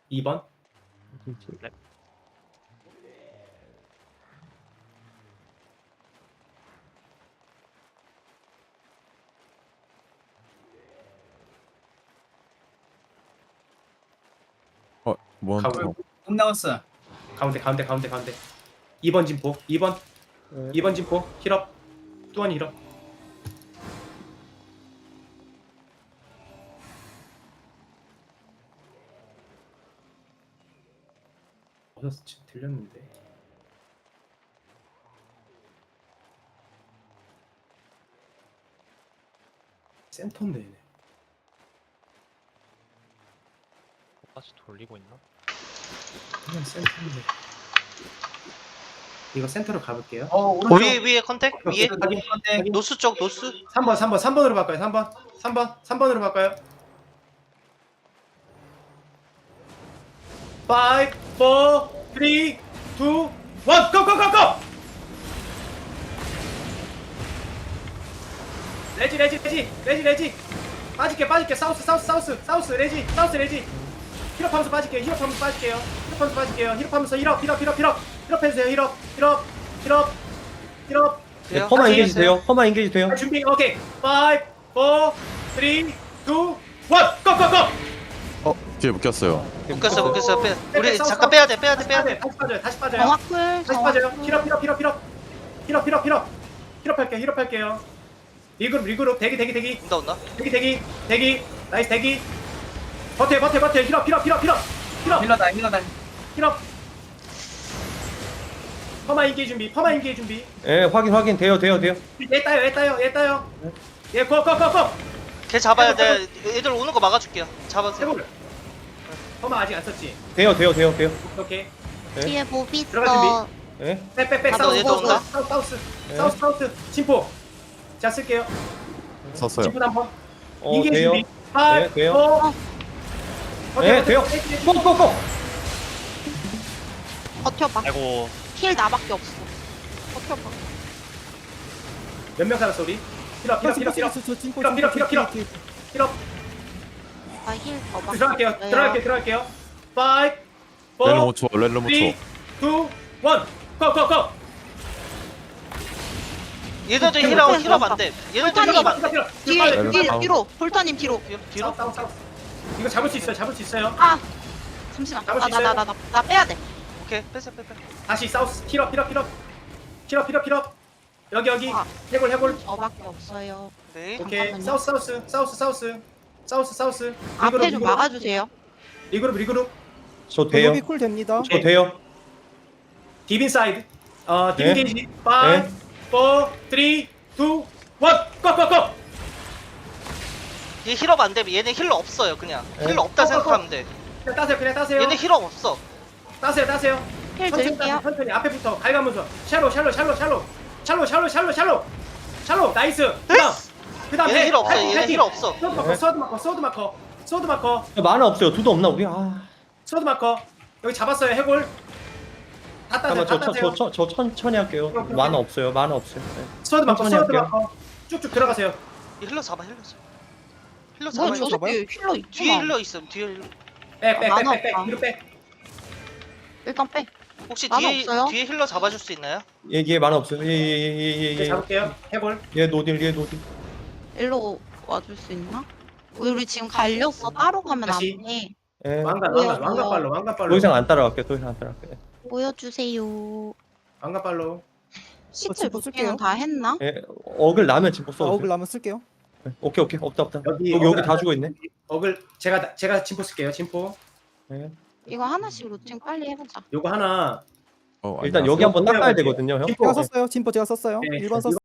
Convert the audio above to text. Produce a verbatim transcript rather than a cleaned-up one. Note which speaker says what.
Speaker 1: 이 번.
Speaker 2: 네.
Speaker 3: 어, 뭔
Speaker 1: 가운데,
Speaker 3: 또
Speaker 4: 못 나왔어.
Speaker 1: 가운데 가운데 가운데 가운데. 이 번 진포. 이 번.
Speaker 2: 네.
Speaker 1: 이 번 진포. 힐업. 뚜원이 힐업. 어디서 지금 들렸는데. 센터인데 얘네.
Speaker 2: 다시 돌리고 있나?
Speaker 1: 그냥 센터인데. 이거 센터로 가볼게요.
Speaker 4: 어, 오른쪽.
Speaker 5: 위에 위에 컨택 위에
Speaker 1: 확인.
Speaker 4: 컨택.
Speaker 5: 노스 쪽 노스
Speaker 1: 삼 번 삼 번 삼 번으로 바꿔요. 삼 번. 삼 번. 삼 번으로 바꿔요. 오, 사, 삼, 이, 일, 고! 고! 고! 고! 레지 레지 레지 레지 레지 빠질게 빠질게 사우스 사우스 사우스 사우스 레지 사우스 레지 힐업하면서 빠질게요 힐업하면서 빠질게요 힐업하면서 빠질게요 힐업하면서 힐업 힐업 힐업 힐업 힐업해주세요 힐업 힐업 힐업 힐업
Speaker 5: 돼요?
Speaker 2: 퍼마
Speaker 5: 같이
Speaker 2: 인게이지
Speaker 5: 해주세요.
Speaker 2: 돼요? 퍼마 인게이지 돼요?
Speaker 1: 자, 준비 오케이 오, 사, 삼, 이, 일, 고! 고고고!
Speaker 3: 어, 뒤에 묶였어요.
Speaker 5: 묶였어 묶였어 빼
Speaker 1: 빼,
Speaker 5: 우리
Speaker 1: 빼,
Speaker 5: 잠깐
Speaker 1: 싸워,
Speaker 5: 빼야 돼 빼야 돼
Speaker 1: 다시
Speaker 5: 빼야
Speaker 1: 빠져요
Speaker 5: 돼
Speaker 1: 다시 빠져요 다시 빠져요
Speaker 6: 정확풀
Speaker 1: 다시 빠져요
Speaker 6: 정확풀
Speaker 1: 힐업 힐업 힐업 힐업 힐업 힐업 힐업 힐업할게요 힐업할게요 리그룹 리그룹 대기 대기 대기
Speaker 5: 온다 온다
Speaker 1: 대기 대기 대기 나이스 대기 버텨 버텨 버텨 힐업 힐업 힐업 힐업 힐업
Speaker 4: 힐러다, 힐러다.
Speaker 1: 힐업 퍼마 인기 준비 퍼마 인기 준비
Speaker 2: 예, 확인 확인 돼요 돼요 돼요.
Speaker 1: 얘 따요 얘 따요 얘 따요 얘고고고고
Speaker 5: 걔 잡아야 돼 애들 오는 거 막아줄게요 잡아주세요
Speaker 1: 해볼 퍼마 아직 안 썼지
Speaker 2: 돼요 돼요 돼요 돼요.
Speaker 1: 오케이
Speaker 2: 네.
Speaker 6: 뒤에 몹
Speaker 1: 들어가,
Speaker 6: 있어.
Speaker 2: 예.
Speaker 1: 백백백
Speaker 5: 아,
Speaker 1: 사우스
Speaker 5: 얘도
Speaker 1: 사우스
Speaker 5: 온다?
Speaker 1: 사우스 사우스
Speaker 2: 네.
Speaker 1: 사우스 사우스 침포 자 쓸게요
Speaker 3: 썼어요.
Speaker 1: 침포 한번
Speaker 2: 어
Speaker 1: 인기
Speaker 2: 돼요.
Speaker 1: 준비 오,
Speaker 2: 네, 돼요.
Speaker 6: 어.
Speaker 1: 버텨,
Speaker 2: 네
Speaker 1: 버텨,
Speaker 2: 돼요.
Speaker 1: 버텨, 버텨.
Speaker 2: 꼭꼭꼭.
Speaker 6: 버텨봐.
Speaker 2: 아이고.
Speaker 6: 힐 나밖에 없어. 버텨봐.
Speaker 1: 몇 명 살았어 우리? 힐업 힐업 힐업 힐업 힐업 힐업 힐업 힐업 힐업
Speaker 6: 나힐 더밖에
Speaker 1: 들어갈게요
Speaker 6: 없어요.
Speaker 1: 들어갈게요 들어갈게요 오,
Speaker 3: 렐로
Speaker 1: 사,
Speaker 3: 못 쳐, 렐로 못
Speaker 1: 삼, 이, 일,
Speaker 3: 쳐.
Speaker 1: 고고고
Speaker 5: 얘네들
Speaker 6: 오케이,
Speaker 5: 힐업
Speaker 6: 오케이,
Speaker 5: 힐업
Speaker 6: 좋았어.
Speaker 5: 안돼 얘네들
Speaker 6: 불타님.
Speaker 5: 힐업 안돼
Speaker 6: 뒤에
Speaker 3: 렐로
Speaker 6: 뒤에
Speaker 3: 다운.
Speaker 6: 뒤로 볼터님 뒤로.
Speaker 5: 뒤로
Speaker 1: 뒤로 싸우 싸우 이거 잡을 수 있어요 잡을 수 있어요
Speaker 6: 아 잠시만.
Speaker 1: 잡을 수
Speaker 6: 나 나 나 나 나 빼야 돼.
Speaker 5: 오케이 빼세요 빼빼
Speaker 1: 다시 사우스 힐업 힐업 힐업 힐업 힐업 힐업 여기 여기
Speaker 6: 아.
Speaker 1: 해골 해골
Speaker 6: 저밖에 없어요.
Speaker 5: 네
Speaker 1: 오케이
Speaker 6: 잠깐만요.
Speaker 1: 사우스 사우스 사우스 사우스 사우스 사우스
Speaker 6: 앞에 좀
Speaker 1: 리그룹
Speaker 6: 막아주세요.
Speaker 1: 리그룹 리그룹
Speaker 2: 저 돼요.
Speaker 7: 로비 쿨 됩니다.
Speaker 2: 저 돼요.
Speaker 1: 딥 인사이드 어
Speaker 2: 네.
Speaker 1: 딥게이지 오, 사,
Speaker 2: 네.
Speaker 1: 삼, 이, 일, 고고고
Speaker 5: 얘 힐업 안돼 얘네 힐러 없어요 그냥
Speaker 2: 네.
Speaker 5: 힐러 없다
Speaker 1: 어, 어,
Speaker 5: 생각하면 돼
Speaker 1: 그냥 따세요 그냥 따세요
Speaker 5: 얘네 힐업 없어
Speaker 1: 따세요 따세요
Speaker 6: 힐
Speaker 1: 천천히
Speaker 6: 드릴게요.
Speaker 1: 따세요, 천천히 앞에부터 갈가면서 샬로 샬로 샬로 샬로 샬로 샬로 샬로 샬로 샬로 나이스 그다음 그다음
Speaker 5: 얘네 힐 없어 얘네 힐 없어
Speaker 1: 소드 마커
Speaker 2: 네.
Speaker 1: 소드 마커 소드 마커 소드 마커
Speaker 2: 만화 없어요. 두도 없나 우리? 아.
Speaker 1: 소드 마커 여기 잡았어요 해골 다 따세요 다
Speaker 2: 잠깐만
Speaker 1: 따세요
Speaker 2: 저저 저 저 천천히 할게요. 만화 없어요. 만화 없어요. 네.
Speaker 1: 소드 마커
Speaker 2: 천천히
Speaker 1: 소드
Speaker 2: 할게요.
Speaker 1: 마커 쭉쭉 들어가세요
Speaker 5: 얘 힐러 잡아 힐러 잡아 힐러
Speaker 6: 뭐야
Speaker 5: 잡아
Speaker 6: 저
Speaker 7: 잡아요?
Speaker 6: 새끼 힐러
Speaker 5: 뒤에
Speaker 6: 있구나.
Speaker 5: 힐러 있음 뒤에 힐러
Speaker 6: 만화
Speaker 1: 백백백백백
Speaker 6: 없다.
Speaker 1: 뒤로 백
Speaker 6: 일단 빼.
Speaker 5: 혹시
Speaker 6: 만화
Speaker 5: 뒤에
Speaker 6: 없어요?
Speaker 5: 뒤에 힐러 잡아줄 수 있나요?
Speaker 2: 얘 얘 만화 없어요. 얘얘얘얘얘
Speaker 1: 이제
Speaker 2: 얘.
Speaker 1: 잡을게요 해골
Speaker 2: 얘 노딜 얘 노딜.
Speaker 6: 일로 와줄 수 있나? 우리 우리 지금 갈렸어. 따로 가면 안
Speaker 1: 다시.
Speaker 6: 돼.
Speaker 2: 예.
Speaker 1: 왕관
Speaker 6: 뭐야,
Speaker 1: 왕관 왕관
Speaker 6: 뭐야.
Speaker 1: 빨로 왕관
Speaker 2: 더
Speaker 1: 빨로
Speaker 2: 이상 안 따라갈게요. 더 이상 안 따라갈게요.
Speaker 6: 보여주세요.
Speaker 1: 왕관 빨로
Speaker 6: 시트
Speaker 7: 저
Speaker 6: 루팅은
Speaker 7: 쓸게요.
Speaker 6: 다 했나?
Speaker 2: 예. 어글 나면 진짜
Speaker 7: 자,
Speaker 2: 써도
Speaker 7: 어글
Speaker 2: 돼요.
Speaker 7: 나면 쓸게요.
Speaker 2: 네. 오케이 오케이 없다 없다.
Speaker 1: 여기
Speaker 2: 여기 여기
Speaker 1: 어글
Speaker 2: 다
Speaker 1: 안
Speaker 2: 죽어 있네.
Speaker 1: 어글 제가 제가 침포 쓸게요 침포
Speaker 2: 예.
Speaker 6: 이거 하나씩 루팅 빨리 해보자.
Speaker 1: 요거 하나
Speaker 3: 어,
Speaker 2: 일단
Speaker 3: 아니야.
Speaker 2: 여기 한번 닦아야
Speaker 1: 올라갈게요.
Speaker 2: 되거든요, 형.
Speaker 1: 침포
Speaker 7: 제가 썼어요. 진포 제가 썼어요.
Speaker 1: 네,
Speaker 7: 일 번 썼어요.